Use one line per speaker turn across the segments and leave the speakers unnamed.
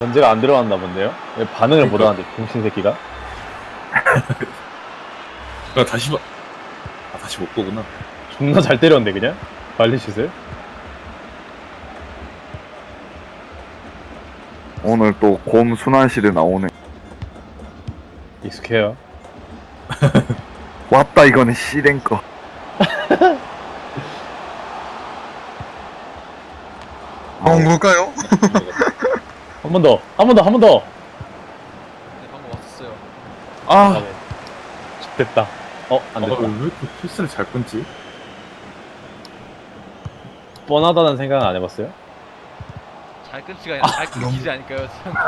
전제가 안 들어갔나 본데요? 왜 반응을 못 하는데 병신 새끼가?
다시 못 보구나.
존나 잘 때렸는데 그냥? 발리슛을?
오늘 또 곰 순환실에 나오네.
익숙해요.
왔다 이거는 씨랭거.
뭘까요?
한 번 더! 한 번 더! 한 번 더!
네, 방금 왔었어요.
아, 네. 됐다. 안 됐다.
왜 이렇게 패스를 잘 끊지?
뻔하다는 생각은 안 해봤어요?
잘 끊지가 아니라 잘 끊기지 않을까요?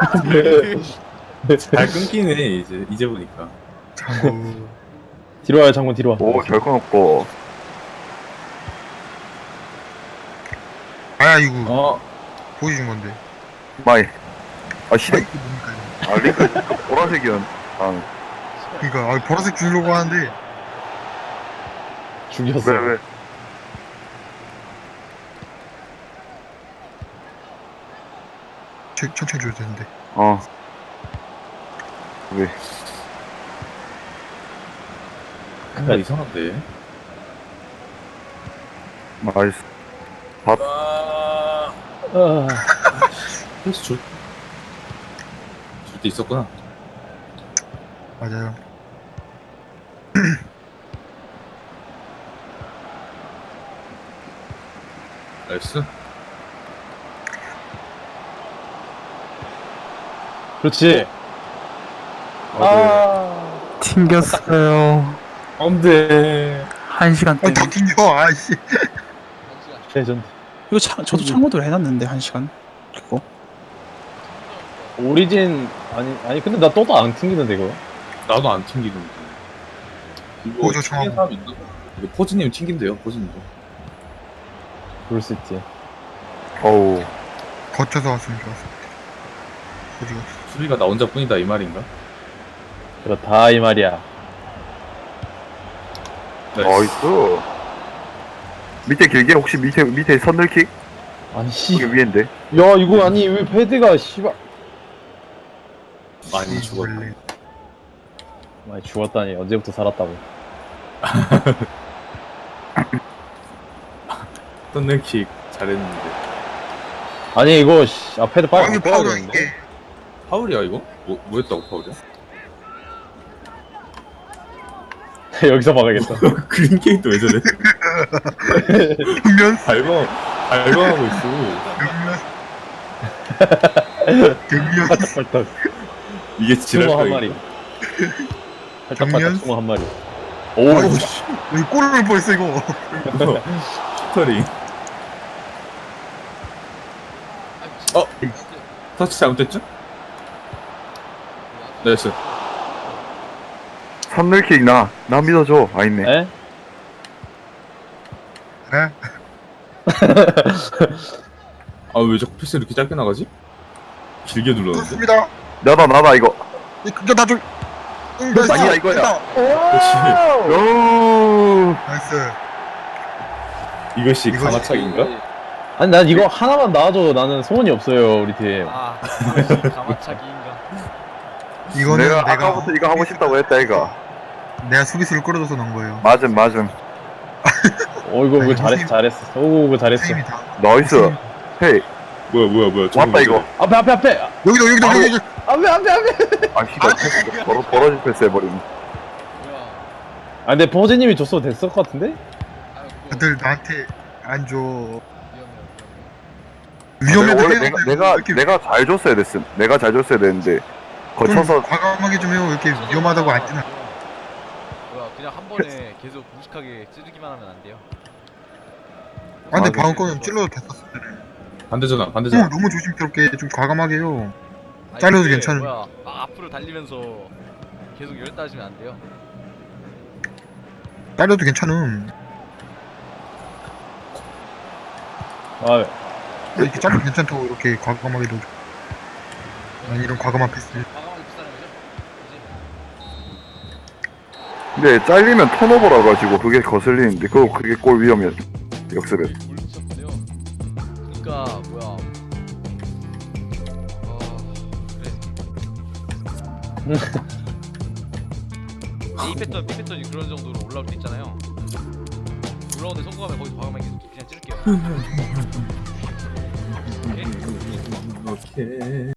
잘 끊기네 이제 보니까.
장구.
뒤로 와요, 장군 뒤로 와.
오 결코 없고.
아야 이거
어
보여준 건데.
마이. 아
아
씨랭.
이게 뭡니까 이거.
아 링크 보라색이었. 아
그러니까 보라색 주려고 하는데
죽였어.
왜?
천천히 줘야 되는데.
왜?
뭔가 이상한데.
나이스.
아
아,
패스 줄때 있었구나.
맞아요.
나이스.
그렇지. 아,
튕겼어요.
안돼.
1시간 때문에.
더 튕겨. 아이씨.
레전드.
이거 저도 참고도 해놨는데 1시간. 그리고
오리진, 아니, 근데 나 또도 안 튕기는데, 이거.
나도 안 튕기는데. 이거
저
튕긴 사람 있나? 이거 포즈님 튕긴대요 포즈님도.
그럴 수 있지.
어우.
거쳐서 왔으면 좋았을 텐데.
수비가 나 혼자뿐이다 이 말인가?
그렇다, 이 말이야.
나이스. 밑에 길게 혹시 밑에 선들킥?
아니, 씨.
이게 위인데.
야, 이거 아니, 왜 패드가, 씨발.
많이 죽었다.
원래.
많이 죽었다니, 언제부터 살았다고.
턴ner킥 잘했는데.
아니, 이거, 씨. 아, 패드
아
빨리
이게
바꿔야
파울이야
되는데.
이게.
파울이야 이거? 뭐였다고 파울이야?
여기서 막아야겠다.
그린게이트 왜 저래?
경면.
발광하고 있어.
경면.
팔딱팔딱.
이게
숭어
지랄까
한
이거?
마리. 팔딱팔딱
정면?
숭어 한 마리.
아이고,
오,
여기 골을 뻔했어 이거.
슈터링. 터치 잘못됐죠? 나이스.
선들킥 나 믿어줘. 아 있네.
에?
에?
아 왜 자꾸 패스 이렇게 짧게 나가지? 길게 눌렀는데.
그렇습니다.
나다 이거.
이거 나 좀.
아니야, 이거야.
그렇지.
오.
나이스.
이것이
이것이-
가마차기인가?
아니, 난 이거 하나만 나와줘. 나는 소원이 없어요, 우리 팀.
아, 가마차기인가?
이거는
내가
내가
아까부터 이거 하고 싶다고 했다 이거.
내가 수비수를 끌어줘서 넣은 거예요.
맞음.
이거
아니,
잘했어. 오, 이거 잘했어.
선생님이 다.
나이스. 헤이.
뭐야
왔다 이거.
앞에.
여기도
바로-
여기.
아 씨발 패스 버러지 패스 해버리네.
뭐야?
아, 근데 버즈님이 줬어도 됐을 것 같은데?
아유, 그거
다들 나한테 안 줘.
위험해요.
위험해도
원래
해야 돼. 이렇게
내가 잘 줬어야 됐음. 내가 잘 줬어야 되는데 거쳐서
좀 과감하게 좀 해요. 이렇게 위험하다고 안 뜨나.
뭐야? 그냥 한 번에 계속 무식하게 찌르기만 하면 안 돼요.
아 근데
아,
방금 거는 찔러도 됐었어.
반대잖아.
너무 조심스럽게 좀 과감하게 해요.
아니,
잘려도
근데
괜찮은.
뭐야? 막 앞으로 달리면서 계속 열 따지면 안 돼요.
딸려도 괜찮음.
아,
이렇게 잘려도 괜찮다고 이렇게 과감하게 넣어줘. 아니 이런 과감한 패스.
과감하게 비싸는 거죠? 이제
근데 잘리면 턴오버라 가지고 그게 거슬리는데 그게 골 위험이야. 역습에.
골 붙였는데요. 그러니까 뭐야? A 패턴, B 패턴이 그런 정도로 올라올 수 있잖아요. 올라오는데 성공하면 거기서 과감하게 그냥 찌를게요. 오케이?
오케이.